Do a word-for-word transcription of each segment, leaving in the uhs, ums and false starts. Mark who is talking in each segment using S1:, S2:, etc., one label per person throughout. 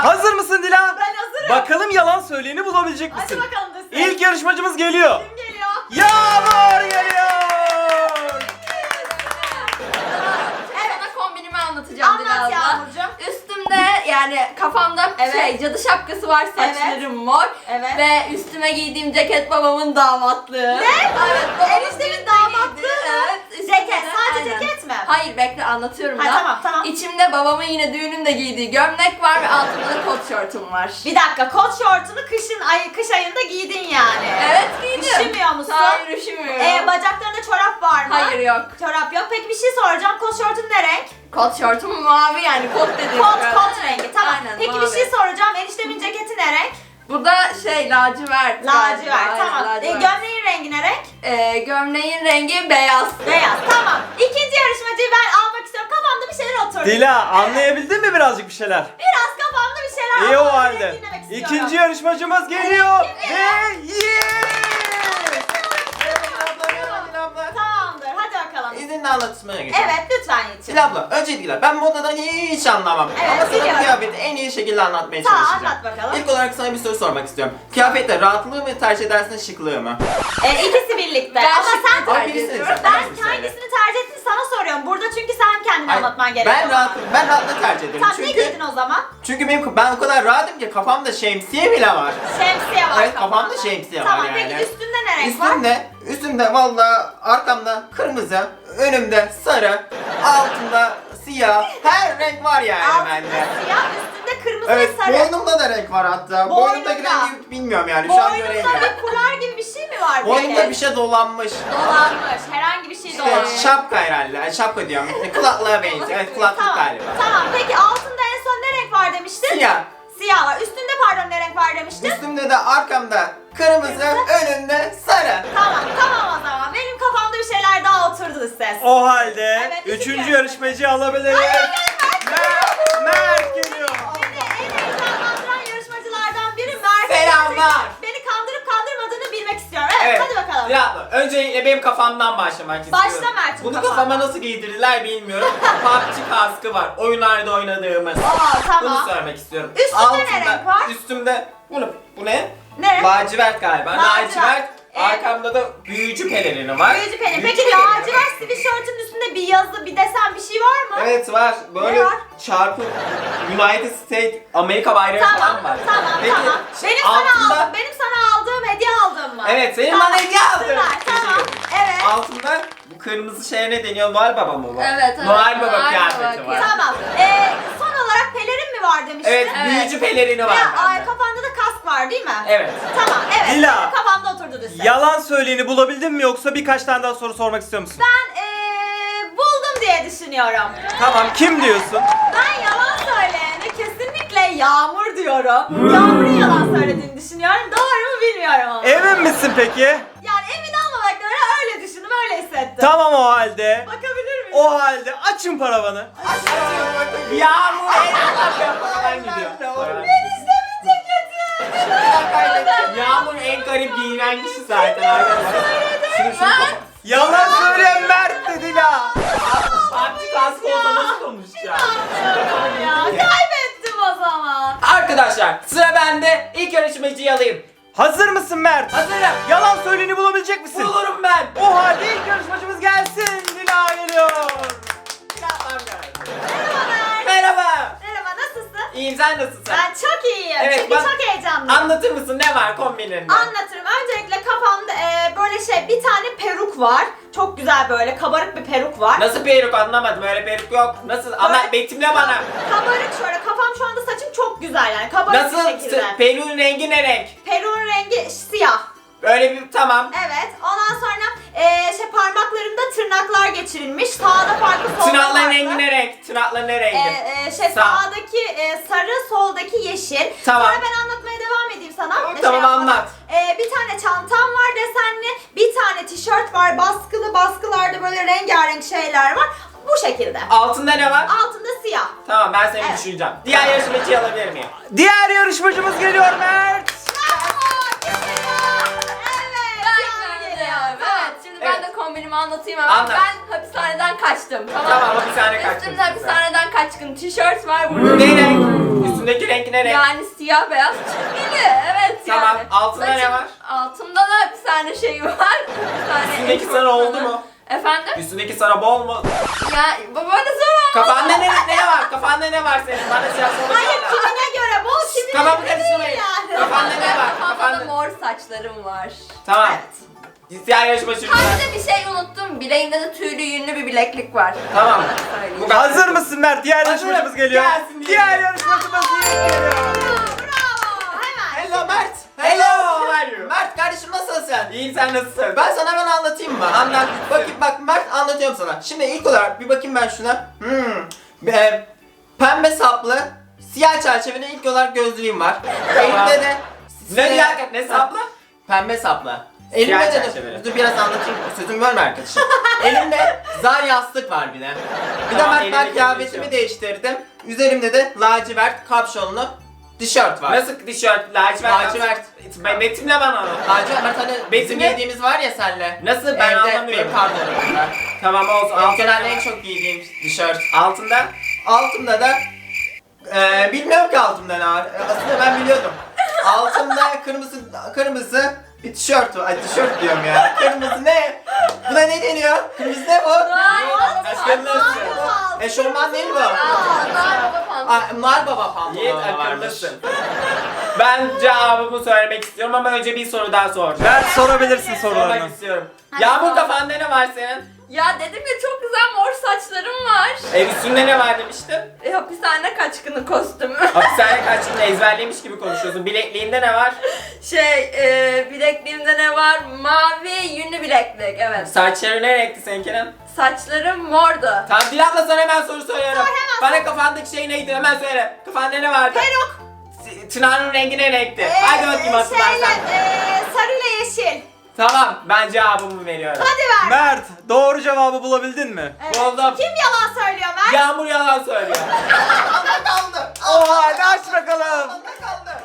S1: Hazır mısın Dila?
S2: Ben hazırım.
S1: Bakalım yalan söyleyeni bulabilecek misin?
S2: Hadi bakalım desin.
S1: İlk yarışmacımız geliyor.
S2: Kim geliyor?
S1: Yağmur geliyor.
S3: Sana kombinimi anlatacağım
S2: Anlat
S3: birazdan.
S2: Yağmurcuğum.
S3: Üstümde yani kafamda
S2: Evet.
S3: şey cadı şapkası var, saçlarım mor.
S2: Evet.
S3: Ve üstüme giydiğim ceket babamın damatlığı.
S2: Ne?
S3: Evet, babamın
S2: Eniştemin
S3: birlikte
S2: damatlığı
S3: giydiği,
S2: mı?
S3: Evet. üstümde-
S2: Ceket, sadece
S3: aynen.
S2: ceket mi?
S3: Hayır, bekle anlatıyorum
S2: Ha,
S3: da.
S2: tamam, tamam.
S3: İçimde babamın yine düğününde giydiği gömlek var ve altımda da kot şortum var.
S2: Bir dakika, kot şortunu kışın ay kış ayında giydin yani.
S3: Evet, giydim.
S2: Üşümüyor musun?
S3: Hayır, üşümüyorum.
S2: Ee, bacaklarında çorap var mı?
S3: Hayır, yok.
S2: Çorap yok. Peki bir şey soracağım. Kot şortun ne renk?
S3: Kot şortum mavi, yani kot dediğim
S2: Kot,
S3: gibi.
S2: kot rengi. Tamam.
S3: Aynen,
S2: Peki
S3: mavi.
S2: bir şey soracağım. Eniştemin ceketi ne renk?
S3: Burada şey lacivert.
S2: Lacivert.
S3: Aynen,
S2: Tamam. Ee,
S3: lacivert.
S2: gömleğin rengi ne renk?
S3: Ee, gömleğin rengi beyaz.
S2: Beyaz. Tamam. İkinci yarışmacıyı ben almak istiyorum. Kafamda bir şeyler oturdu.
S1: Dila anlayabildin mi birazcık bir şeyler?
S2: Biraz kafamda bir şeyler
S1: İyi o
S2: ama ben
S1: halde.
S2: dinlemek istiyorum.
S1: İkinci yarışmacımız geliyor.
S2: Kim
S1: Ve yes!
S2: Tamamdır. Hadi bakalım.
S4: İzinle anlatmaya geçelim.
S2: Evet, lütfen Yiğit'ciğim.
S4: Sil abla, öncelikle ben modadan hiç anlamam.
S2: Evet,
S4: Ama sana
S2: biliyorum.
S4: kıyafeti en iyi şekilde anlatmaya
S2: Tamam,
S4: çalışacağım.
S2: anlat bakalım.
S4: İlk olarak sana bir soru sormak istiyorum. Kıyafette rahatlığı mı tercih edersin, şıklığı mı?
S2: Ee, ikisi birlikte.
S3: Ben
S2: ama
S3: şıkkı
S2: sen
S4: Ama
S3: tercih
S4: birisini
S3: ediyorum.
S4: seç.
S2: ben
S4: Birisini söyle.
S2: hangisini tercih ettin sana soruyorum. Burada çünkü sen kendini
S4: Hayır,
S2: anlatman gerekiyor.
S4: Ben rahat, ben rahatlığı tercih ederim.
S2: Tamam, ne
S4: çünkü
S2: giydin o zaman?
S4: çünkü benim ben o kadar rahatım ki kafamda şemsiye bile var.
S2: Şemsiye var
S4: Evet, kafamda
S2: kafanda.
S4: şemsiye var
S2: Tamam,
S4: yani.
S2: peki üstünde ne renk var?
S4: Üstümde, üstümde valla arkamda kırmızı, önümde sarı, altında siyah, her renk var yani
S2: Altında
S4: bende.
S2: siyah, üstünde kırmızı
S4: Evet,
S2: ve sarı.
S4: boynumda da renk var hatta.
S2: Boynunda.
S4: Boynumdaki rengi bilmiyorum yani, şu an
S2: Boynunda
S4: göremiyorum.
S2: bir kular gibi bir şey mi var?
S4: Boynumda
S2: peki?
S4: bir şey dolanmış.
S2: Dolanmış. Herhangi bir şey
S4: İşte
S2: dolanmış.
S4: şapka herhalde, Ay, şapka diyorum. E, Kulaklığa benziyor, evet kulaklık
S2: Tamam.
S4: galiba.
S2: Tamam. Peki altında en son ne renk var demiştin?
S4: Siyah.
S2: Siyah var. Üstünde pardon ne renk var demiştin?
S4: Üstümde de arkamda kırmızı, önümde sarı.
S2: Tamam, tamam o zaman. Benim kafamda bir şeyler daha oturdu ses.
S1: O halde
S2: Evet,
S1: üçüncü
S2: üçüncü
S1: yarışmacıyı alabiliriz. Mert, Mert geliyor.
S2: Beni en heyecanlandıran yarışmacılardan biri Mert.
S4: Selamlar.
S2: Beni kandırıp kandırmadığını bilmek istiyorum. Evet,
S4: Evet.
S2: hadi bakalım.
S4: Ya öncelikle benim kafamdan başlamak istiyorum.
S2: Başla Mert'in
S4: Bunu
S2: kafandan.
S4: kafama nasıl giydirirler bilmiyorum. P U B G kaskı var. Oyunlarda oynadığımız.
S2: Aa, tamam.
S4: Bunu söylemek istiyorum.
S2: Üstünde ne renk var?
S4: Üstümde bunu bu ne?
S2: Ne?
S4: Lacivert galiba.
S2: Lacivert.
S4: Lacivert.
S2: Evet.
S4: Arkamda da büyücü pelerini var.
S2: Büyücü pelerin.
S4: Büyücü
S2: Peki
S4: pelerini var.
S2: lacivert sweatshirt'ün üstünde bir yazı, bir desen bir şey var mı?
S4: Evet var. Böyle
S2: Ne var?
S4: çarpı United States Amerika bayrağı
S2: Tamam,
S4: falan var.
S2: tamam,
S4: Peki,
S2: tamam. Benim sana
S4: altında-
S2: aldığım, benim sana aldığım hediye aldığım mı?
S4: Evet, senin
S2: Tamam,
S4: bana hediye aldın.
S2: Süper, tamam. Evet.
S4: Altında bu kırmızı şeye ne deniyor? Noel Baba mı bu?
S3: Evet, evet.
S4: Noel Baba
S3: Noel
S4: kıyafeti
S3: Baba
S4: var.
S2: Tamam. Ee, son olarak pelerin mi var demiştin?
S4: Evet,
S3: Evet.
S4: büyücü pelerini var
S2: Ya, ay,
S4: bende.
S2: kafanda da kask var değil mi?
S4: Evet.
S2: Tamam, evet.
S1: Dila.
S2: Benim kafamda oturdu düz.
S1: Yalan söyleyeni bulabildin mi yoksa birkaç tane daha soru sormak istiyor musun?
S2: Ben ee, buldum diye düşünüyorum.
S1: Tamam, kim diyorsun?
S2: Ben yalan söyleyene kesinlikle Yağmur diyorum. Yağmur'un yalan söylediğini düşünüyorum. Doğru mu bilmiyorum ama.
S1: Emin misin peki?
S2: Yani emin olmamakla beraber öyle düşündüm, öyle hissettim.
S1: Tamam o halde.
S2: Bakabilir miyim?
S1: O halde açın paravanı.
S4: Yağmur en gidiyor.
S2: Eniştemin ceketi.
S4: Yağmur en garip giyinen kişi zaten arkadaşlar. Şunu şunu kapat.
S1: Yalan söyleyen Mert dedi Dila.
S4: P U B G kaskı olsa nasıl konuşacağım?
S2: Ya kaybettim o zaman.
S4: Arkadaşlar sıra bende. İlk yarışmacıyı alayım.
S1: Hazır mısın Mert?
S4: Hazırım.
S1: Yalan söyleyeni bulabilecek misin?
S4: Bulurum ben.
S1: O halde ilk yarışmacımız gelsin. Dila geliyor.
S4: Yapmam lazım.
S2: Merhaba Mert.
S4: Merhaba.
S2: Merhaba, nasılsın?
S4: İyiyim, sen nasılsın?
S2: Ben çok iyiyim.
S4: Evet,
S2: Çünkü
S4: ben-
S2: çok heyecanlıyım.
S4: Anlatır mısın ne var kombininde?
S2: Anlatırım. Öncelikle kafamda e, böyle şey bir tane peruk var. Çok güzel böyle kabarık bir peruk var.
S4: Nasıl peruk anlamadım, öyle peruk yok. Nasıl? Ama betimle bana.
S2: Kabarık şöyle, kafam şu anda saçım çok güzel yani kabarık
S4: Nasıl?
S2: bir şekilde.
S4: Peruğun rengi ne renk?
S2: Peruğun rengi siyah.
S4: Öyle bir tamam.
S2: Evet. Ondan sonra e, şey parmaklarımda tırnaklar geçirilmiş. Sağda farklı, solda
S4: Tırnakların
S2: farklı.
S4: rengi ne renk? Tırnakların ne rengi?
S2: E, e, şey
S4: Sağ.
S2: sağdaki e, sarı, soldaki yeşil.
S4: Tamam.
S2: Sonra ben anlatmaya devam edeyim sana.
S4: Tamam,
S2: Ne
S4: tamam,
S2: yapmadan.
S4: anlat.
S2: E, bir tane çantam var desenli, bir tane tişört var baskılı, baskılarda böyle rengarenk şeyler var. Bu şekilde.
S4: Altında ne var?
S2: Altında siyah.
S4: Tamam, ben seni
S2: Evet.
S4: düşüneceğim. Diğer yarışmacıyı alabilir miyim?
S1: Diğer yarışmacımız geliyor Mert.
S2: Bravo! Kim geliyor? Evet.
S3: Ben
S2: Yağmur
S3: geliyorum.
S2: geliyor.
S3: Evet, şimdi ben de
S4: Evet.
S3: kombinimi anlatayım hemen.
S4: Anlat.
S3: Ben hapishaneden kaçtım. Tamam,
S4: Tamam, hapishane kaçtın
S3: Üstümde
S4: sen.
S3: hapishaneden kaçkın tişört var burada.
S4: Ne renk? Üstündeki renk ne renk?
S3: Yani siyah beyaz çizgili. Evet
S4: Tamam,
S3: yani.
S4: altında ne var?
S3: Altımda da hapishane şeyi var. Hapishane
S4: Üstündeki
S3: eşofmanı.
S4: sarı oldu mu?
S3: Efendim?
S4: Üstündeki sarı bol mu?
S3: Ya bu böyle zor.
S4: Kafanda ne, ne var? Kafanda ne var senin? Bana şey yapsana.
S2: Hayır kimine göre bol kimine
S4: Kafamı
S2: göre değil
S4: karıştırmayın.
S2: yani.
S4: Kafanda ne var?
S3: Kafamda da
S4: Kafanda.
S3: mor saçlarım var.
S4: Tamam.
S2: Evet.
S4: Siyah yarışmacı.
S3: Ha bir de bir şey unuttum. Bileğimde de tüylü yünlü bir bileklik var.
S4: Tamam.
S3: Söyleyeyim.
S4: Bu kadar.
S1: Hazır mısın Mert? Diğer
S4: Hazırım.
S1: yarışmacımız geliyor.
S4: Gelsin diye.
S1: Diğer yarışmacımız geliyor.
S2: Bravo. Hemen.
S4: Hello Mert. Hello. How are you? Mert kardeşim nasılsın? İyiyim, sen nasılsın? Ben sana hemen anlatayım mı? Anlat. Bakayım bak Mert, anlatıyorum sana. Şimdi ilk olarak bir bakayım ben şuna. Hmm. E, pembe saplı, siyah çerçeveli ilk olarak gözlüğüm var. Elimde de
S5: Ne diyor? Ne saplı?
S4: Pembe saplı. Elimde
S5: Siyah
S4: de
S5: çerçeveli.
S4: dur biraz anlatayım. Sözümü bölme arkadaşım. Elimde zar yastık var bir de. Bir
S5: Tamam,
S4: de Mert ben
S5: elindeki
S4: kıyafetimi
S5: bir şey
S4: değiştirdim. Üzerimde de lacivert kapşonlu tişört var.
S5: Nasıl tişört? Lacivert.
S4: Lacivert.
S5: Ben betimle bana onu.
S4: Lacivert Mert hani bizim
S5: Betimle.
S4: giydiğimiz var ya senle.
S5: Nasıl? Ben
S4: Evde
S5: anlamıyorum.
S4: benim pardonumda.
S5: Tamam olsun.
S4: Benim
S5: Altında
S4: genelde
S5: ne
S4: en
S5: var?
S4: çok giydiğim tişört.
S5: Altında.
S4: Altımda da eee bilmiyorum ki altımda ne var. Aslında ben biliyordum. Altımda kırmızı kırmızı bir tişört var. Ay tişört diyorum ya. Kırmızı ne? Buna ne deniyor? Kırmızı ne bu?
S5: Akıllısın.
S4: Eşofman değil bu.
S3: Aa, Nar Baba pantolon.
S4: Aa, Nar Baba pantolonu
S5: Yiğit
S4: varmış.
S5: akıllısın. Ben cevabımı söylemek istiyorum ama önce bir soru daha soracağım.
S1: Mert sorabilirsin
S5: Sormak
S1: sorularını.
S5: istiyorum.
S3: Hadi
S5: Yağmur
S3: sor.
S5: kafanda ne var senin?
S3: Ya dedim ya çok güzel mor saçlarım var.
S5: Ev üstünde ne var demiştin?
S3: E, hapishane kaçkını kostümü.
S5: Hapishane kaçtığında ezberlemiş gibi konuşuyorsun. Bilekliğinde ne var?
S3: Şey e, bilekliğimde ne var? Mavi yünlü bileklik evet.
S5: Saçları ne renkti seninkinin?
S3: Saçlarım mordu.
S5: Tamam Dilan da sana hemen soru soruyorum.
S2: Sor, hemen
S5: Bana kafandaki şey neydi hemen söyle. Kafanda ne vardı?
S2: Peruk.
S5: S- Tınar'ın rengi ne renkti?
S2: Ee,
S5: Hadi bakayım
S2: Şeyle,
S5: hatırlarsan.
S2: ee, sarıyla yeşil.
S5: Tamam ben cevabımı veriyorum.
S2: Hadi ver.
S1: Mert doğru cevabı bulabildin mi?
S2: Evet.
S5: Buldum.
S2: Kim yalan söylüyor Mert?
S5: Yağmur yalan söylüyor.
S4: Altımda kaldı.
S1: Oha hadi aç bakalım.
S4: Altımda kaldı.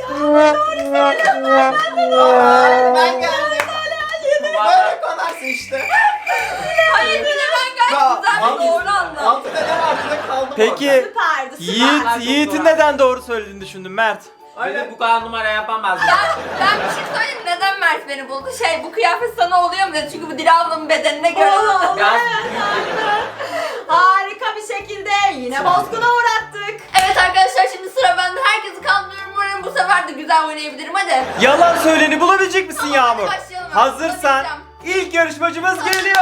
S4: Aa, ben geldim. Böyle konarsın işte.
S3: Hayır bir de ben gayet güzel
S4: Altı-
S3: ve doğru anladım.
S4: Altında ne var? Burada kaldım
S1: Peki
S2: Süperdi süper.
S1: Yiğit,
S5: çok
S1: Yiğit'in
S5: doğru.
S1: neden doğru söylediğini düşündün Mert.
S5: Öyle bu kadar numara yapamazdım.
S3: Ben, ben bir şey söyleyeyim mi? Neden Mert beni buldu? Şey bu kıyafet sana oluyor mu dedi. Çünkü bu Dila ablamın bedenine göre.
S2: Oo,
S5: Biraz
S2: Harika bir şekilde yine bozguna uğrattık.
S3: Evet arkadaşlar şimdi sıra bende. Herkesi kandırıyorum. Umarım bu sefer de güzel oynayabilirim. Hadi.
S1: Yalan söyleni bulabilecek misin
S3: Tamam,
S1: Yağmur?
S3: hadi başlayalım.
S1: Hazırsan
S3: Bulabileceğim.
S1: ilk yarışmacımız geliyor.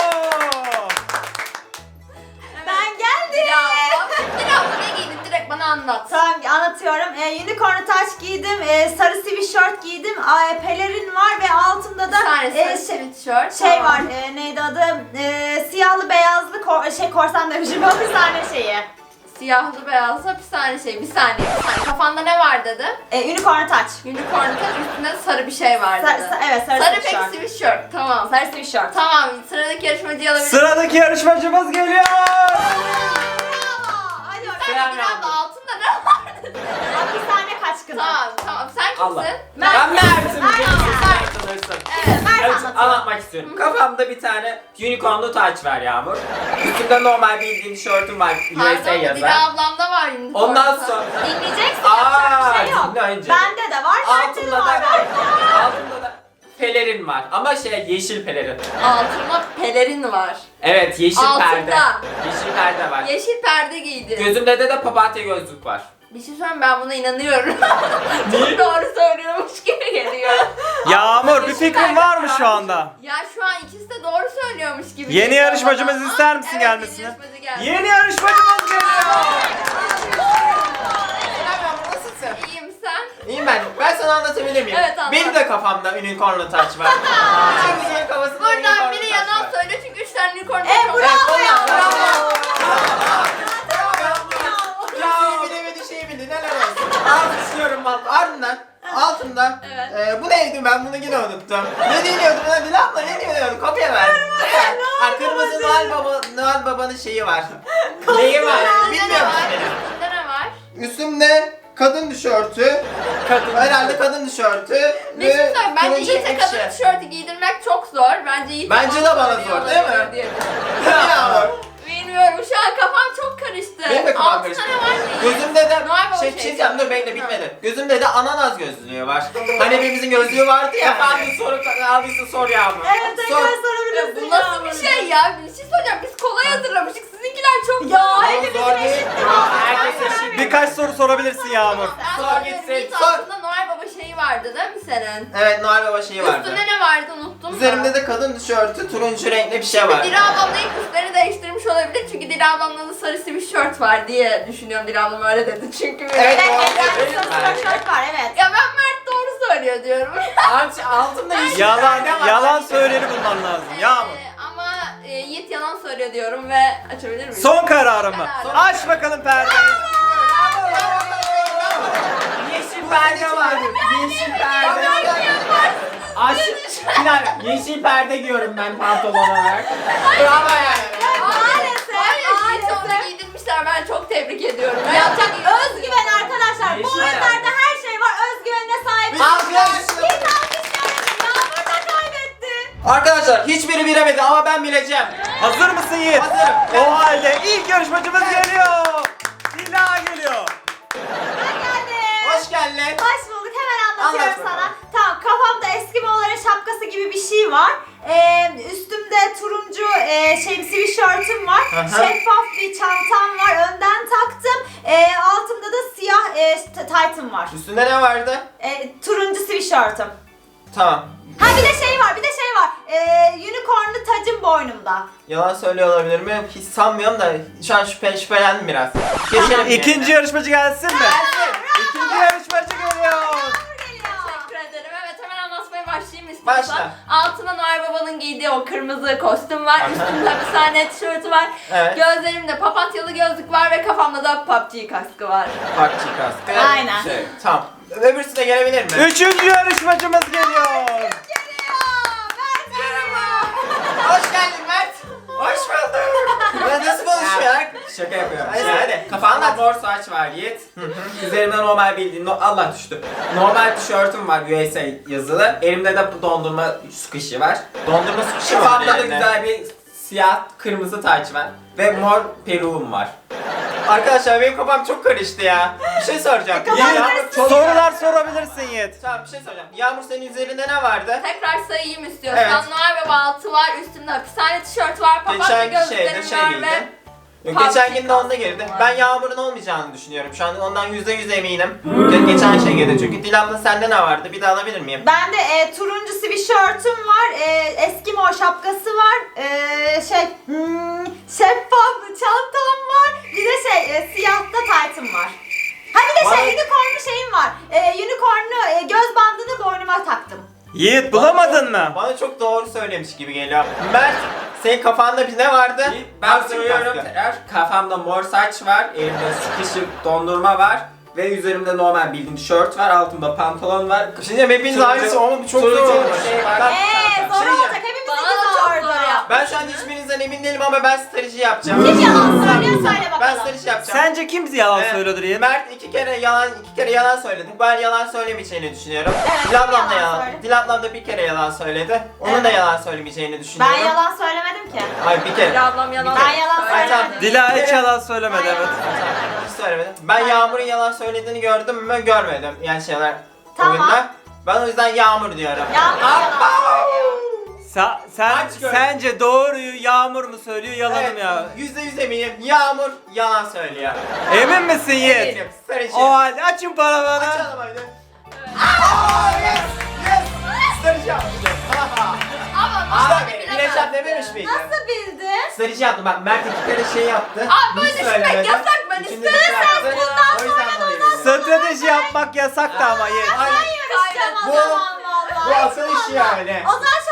S2: Ben geldim.
S3: Dila abla. Dila abla ne giydin? Direkt bana anlat.
S2: Tamam anlatıyorum. Ee, unicorn taç giydim, ee, sarı sweatshirt giydim, ee, pelerin var ve altımda da
S3: Bir tane
S2: ee,
S3: sarı
S2: şey,
S3: sweatshirt.
S2: şey
S3: Tamam.
S2: var. Ee, neydi adı? Ee, siyahlı beyazlı kor, şey korsan demişim. Hapishane şeyi.
S3: Siyahlı beyazlı hapishane şey. Bir saniye. Bir saniye. Kafanda ne var dedi?
S2: Ee, unicorn taç.
S3: Unicorn taç üstünde sarı bir şey var
S2: Sar,
S3: dedi.
S2: sa- evet sarı,
S3: Sarı pek
S2: sweatshirt.
S3: sweatshirt. Tamam.
S2: Sarı sweatshirt.
S3: Tamam. Sıradaki yarışmacıyı alabilirim.
S1: Sıradaki yarışmacımız geliyor.
S2: Bravo. Hadi bakalım.
S3: Sen
S5: Selam
S3: Dila
S5: yavrum.
S3: abla altında ne var dedi.
S2: Hapishane kaçkını.
S3: Tamam tamam. Sen kimsin?
S5: Allah.
S2: Mert.
S5: Ben Mert'im.
S2: Mert.
S5: Sen tanırsın.
S3: Evet.
S2: Mert
S5: Evet,
S2: anlatıyor.
S5: anlatmak istiyorum. Kafamda bir tane unicornlu taç var Yağmur. Üstümde normal bildiğin tişörtüm var. U S A
S3: Pardon
S5: yazan.
S3: Dila ablamda var unicorn
S5: Ondan
S3: taç.
S5: sonra
S2: Dinleyeceksin
S5: Aa,
S2: yapacak bir şey yok.
S5: dinle önce.
S2: Bende de var, Mert'te de
S5: altında da
S2: var.
S5: altında da pelerin var. Ama şey yeşil pelerin.
S3: Altında pelerin var.
S5: Evet yeşil
S3: Altında.
S5: perde. Yeşil perde var.
S3: Yeşil perde giydi.
S5: Gözümde de de papatya gözlük var.
S3: Bir şey söyleyeyim ben buna inanıyorum. Çok doğru söylüyormuş gibi geliyor.
S1: Yağmur bir
S3: Yeşil
S1: fikrin
S3: perde
S1: var mı
S3: var.
S1: şu anda?
S3: Ya şu an ikisi de doğru söylüyormuş gibi
S1: Yeni
S3: geliyor
S1: yarışmacımız
S3: bana.
S1: ister misin
S3: Evet,
S1: gelmesini?
S3: yeni yarışmacı geldi.
S1: Yeni yarışmacımız geliyor.
S4: Selam yavrum, nasılsın?
S3: İyiyim sen?
S4: İyiyim ben. Ben sana anlatabilir miyim?
S3: Evet, anlat.
S4: Benim de kafamda unicornlu taç var. Bütün güzel kafasında
S3: Buradan
S4: unicornlu
S3: biri
S4: taç
S3: yalan
S4: var.
S3: söylüyor çünkü üç tane unicorn
S2: E,
S3: taç var.
S2: bravo
S4: Evet,
S2: ya.
S4: bravo.
S2: Bravo.
S4: Bravo. Şeyi bildi, şeyi bildi. Neler olsun. Alkışlıyorum valla. Ardından altında
S3: Evet.
S4: e, bu neydi ben bunu yine unuttum. Ne diyordum ben Dila abla ne diyordum kopya ver. Ha kırmızı Noel Baba Noel Baba'nın şeyi var. Neyi var?
S3: Üstünde ne
S4: Bilmiyorum.
S3: var? Üstünde ne var?
S4: Üstümde kadın tişörtü.
S1: Kadın.
S4: Herhalde kadın tişörtü.
S3: Bir şey
S4: ve
S3: söyleyeyim. Bence
S4: turuncu
S3: Yiğit'e
S4: ekşi.
S3: kadın tişörtü giydirmek çok zor. Bence Yiğit
S4: Bence de bana zor, değil mi? Yağmur.
S3: Bilmiyorum, şu an kafam çok karıştı.
S4: Benim de kafam
S3: Altı
S4: karıştı.
S3: tane var mı?
S4: Gözümde de
S3: Noel Baba
S4: şey
S3: şeysi
S4: çizeceğim, dur bekle bitmedi. Gözümde de ananas gözlüğü var. Hani hepimizin gözlüğü vardı ya.
S5: Efendim soru aldıysa sor Yağmur.
S2: Evet tekrar
S4: Sor.
S3: Ya
S2: sorabilirsin.
S3: bu nasıl bir şey ya? Bir şey söyleyeceğim. Biz kolay hazırlamıştık. Sizinkiler çok
S2: Ya
S3: zor.
S2: hepimizin
S4: zor değil.
S2: eşit mi?
S5: Herkes eşit.
S1: Birkaç soru sorabilirsin Yağmur.
S3: Ben
S5: Sor
S3: soruyorum.
S5: gitsin,
S3: Yiğit
S4: sor.
S3: altında Noel Baba şeyi vardı değil mi senin?
S4: Evet, Noel Baba şeyi vardı.
S3: Üstünde ne vardı unuttum
S4: Üzerimde
S3: da.
S4: de kadın tişörtü, turuncu renkli bir şey var.
S3: Dila ablamla ilk üstlerini değiştirmiş olabilir çünkü Dila ablamda da sarı sweatshirt var diye düşünüyorum. Dila ablam öyle dedi çünkü.
S4: Evet,
S2: Evet,
S4: doğru
S2: evet,
S4: söylüyorsun.
S2: sarı tişört var evet.
S3: Ya ben Mert doğru söylüyor diyorum.
S5: Alt, altında yeşil
S1: Yalan,
S5: perde var.
S1: yalan söyleni bulman lazım. Yağmur.
S3: Ee, ama e, Yiğit yalan söylüyor diyorum ve açabilir miyim?
S1: Son kararım mı?
S3: Kararım.
S1: Aç bakalım perdeyi.
S5: Yeşil perde var. Yeşil perde. Aş, bir dakika, yeşil perde giyiyorum ben pantolon olarak.
S4: Bravo yani.
S2: Maalesef,
S3: Hayır, Yiğit'i onu
S2: maalesef.
S3: giydirmişler. Ben çok tebrik ediyorum.
S2: Yapacak özgüven arkadaşlar. Bu
S5: Yeşil
S2: oyunlarda her şey var. Özgüvenine sahip.
S4: Alkış.
S2: Git alkışlayalım. Yağmur da kaybetti.
S4: Arkadaşlar hiçbiri bilemedi ama ben bileceğim.
S1: Hazır mısın Yiğit?
S4: Hazırım.
S1: O halde ilk yarışmacımız geliyor. Dila geliyor.
S2: Ben geldim.
S4: Hoş geldin.
S2: Hoş bulduk. Hemen anlatıyorum
S4: Anlat bakalım.
S2: sana. Tamam, kafamda Eskimoğulların şapkası gibi bir şey var. Ee, üstümde turuncu e, şey sweatshirt'üm var.
S4: Aha.
S2: Şeffaf bir çantam var. Önden taktım. Ee, altımda da siyah e, t- taytım var.
S4: Üstünde ne vardı?
S2: Ee, turuncu sweatshirt'üm.
S4: Tamam.
S2: Ha bir de şey var, bir de şey var. Ee, unicornlu tacım boynumda.
S4: Yalan söylüyor olabilir mi? Hiç sanmıyorum da şu an şüphe, şüphelendim biraz. Geçelim.
S1: İkinci yarışmacı gelsin mi?
S2: Bravo.
S1: İkinci yarışmacı geliyor.
S2: Yağmur geliyor.
S3: Teşekkür ederim. Evet, hemen anlatmaya başlayayım istiyorsan.
S4: Başla.
S3: Altına Noel Baba'nın giydiği o kırmızı kostüm var. Üstümde hapishane tişörtü var.
S4: Evet.
S3: Gözlerimde papatyalı gözlük var ve kafamda da P U B G kaskı var.
S4: Parkçı kaskı.
S2: Aynen.
S4: Şey, tamam. Öbürsü de gelebilir mi?
S1: Üçüncü yarışmacımız geliyor.
S4: Hoş geldin Mert. Hoş bulduk. Ya nasıl konuşuyor?
S5: Şaka yapıyorum.
S4: Hadi,
S5: Şey,
S4: hadi.
S5: Kafamda
S4: Anlat.
S5: mor saç var Yiğit. Üzerimde normal bildiğin, no- Allah düştü. Normal tişörtüm var U S A yazılı. Elimde de bu dondurma sıkışı var.
S4: Dondurma sıkışı var.
S5: Kafamda da
S4: yani.
S5: güzel bir siyah kırmızı taç var. Ve mor peruğum var.
S4: Arkadaşlar benim kafam çok karıştı ya. Bir şey soracağım.
S2: Kafam
S4: Yağmur
S2: karıştı.
S4: çok...
S1: Sorular sorabilirsin Yiğit.
S4: Tamam bir şey soracağım. Yağmur senin üzerinde ne vardı?
S3: Tekrar sayayım istiyorsan.
S4: Evet.
S3: Noel Baba altı var, üstümde hapishane tişört var, papatya
S4: Geçen şeyde
S3: gözlüklerim
S4: şey
S3: var
S4: miydi?
S3: ve...
S4: Yok,
S3: Parti
S4: geçen gün de onda girdi.
S3: kastım var.
S4: Ben Yağmur'un olmayacağını düşünüyorum. Şu an ondan yüzde yüz eminim. Ge- geçen şey girdi çünkü. Dilan'da sende ne vardı? Bir daha alabilir miyim?
S2: Bende e, turuncu sweatshirt'üm var, e, Eskimo şapkası var, e, şey hmm, şeffaf çantam var, bir de şey e, siyah da taytım var. Ha bir de şey
S4: Vay.
S2: unicornlu şeyim var, e, unicornlu e, göz bandını boynuma taktım.
S1: Yiğit bulamadın mı?
S4: Bana çok doğru söylemiş gibi geliyor. Mert, senin kafanda bir ne vardı?
S5: Yiğit, ben
S4: Parkçı
S5: söylüyorum
S4: kaskı.
S5: tekrar. Kafamda mor saç var. Elimde sıkışık dondurma var. Ve üzerimde normal bildiğin tişört var. Altımda pantolon var.
S4: Şimdi hepiniz
S5: Turuncu-
S4: aynısı ama bu çok
S5: turuncu
S4: zor olmuş.
S5: şey var.
S4: Ben-
S2: Eee zor
S4: şey
S2: olacak,
S4: diyeceğim.
S2: hepimizinki
S3: Bana da çok
S2: zordu.
S3: zor yaptı.
S4: Ben şu an hiçbirinizden emin değilim ama ben strateji yapacağım.
S2: Kim yalan söylüyor söyle
S4: Ben
S2: bakalım.
S4: strateji yapacağım.
S1: Sence kim yalan
S4: Ee,
S1: söylüyordur Yiğit?
S4: Mert iki kere yalan iki kere yalan söyledi. Ben yalan söylemeyeceğini düşünüyorum.
S2: Evet,
S4: Dil ablam da
S2: yalan
S4: yalan.
S2: söyledi.
S4: Dil ablam da bir kere yalan söyledi. Onun da
S2: Evet.
S4: yalan söylemeyeceğini
S2: Ben
S4: düşünüyorum.
S2: yalan söylemedim ki.
S4: Hayır bir kere.
S3: Bir ablam yalan
S2: Ben yalan
S3: söyledi.
S4: Ay, tamam.
S2: söylemedim.
S1: Dila hiç yalan söylemedi
S2: Ben
S1: evet.
S2: yalan
S4: Hiç söylemedim. Ben Yağmur'un yalan söylediğini gördüm mü? Görmedim. Yani şeyler
S2: Tamam.
S4: oyunda. Ben o yüzden Yağmur diyorum.
S2: Yağmur yalan söylüyor.
S1: Sa- sen
S4: Aç gör.
S1: sence doğruyu Yağmur mu söylüyor yalanım
S4: Evet,
S1: ya?
S4: yüzde yüz eminim. Yağmur yalan söylüyor.
S1: Emin misin Yiğit?
S4: Eminim. Sarıcı.
S1: O halde açın paravanı.
S4: Açalım hadi. Aa, yes! Yes! Sarıcı yaptım.
S3: Ama
S4: Aa,
S3: ben de
S4: Güneş
S3: bilemezdim.
S4: yap dememiş miydim?
S2: Nasıl bildin?
S4: Sarıcı yaptım. Bak Mert iki kere şey yaptı.
S3: Abi böyle
S4: Hiç
S3: düşünmek
S4: söylemedi.
S3: yasak, ben
S4: İçinde
S3: istedim.
S4: bir şey yaptı.
S2: bundan
S4: O yüzden dolayı bildim.
S1: Strateji yapmak yasaktı ama Yiğit.
S4: Hayır.
S2: Yarışacağım o
S4: Bu-
S2: zaman vallahi.
S4: Bu asıl iş yani.
S2: O zaman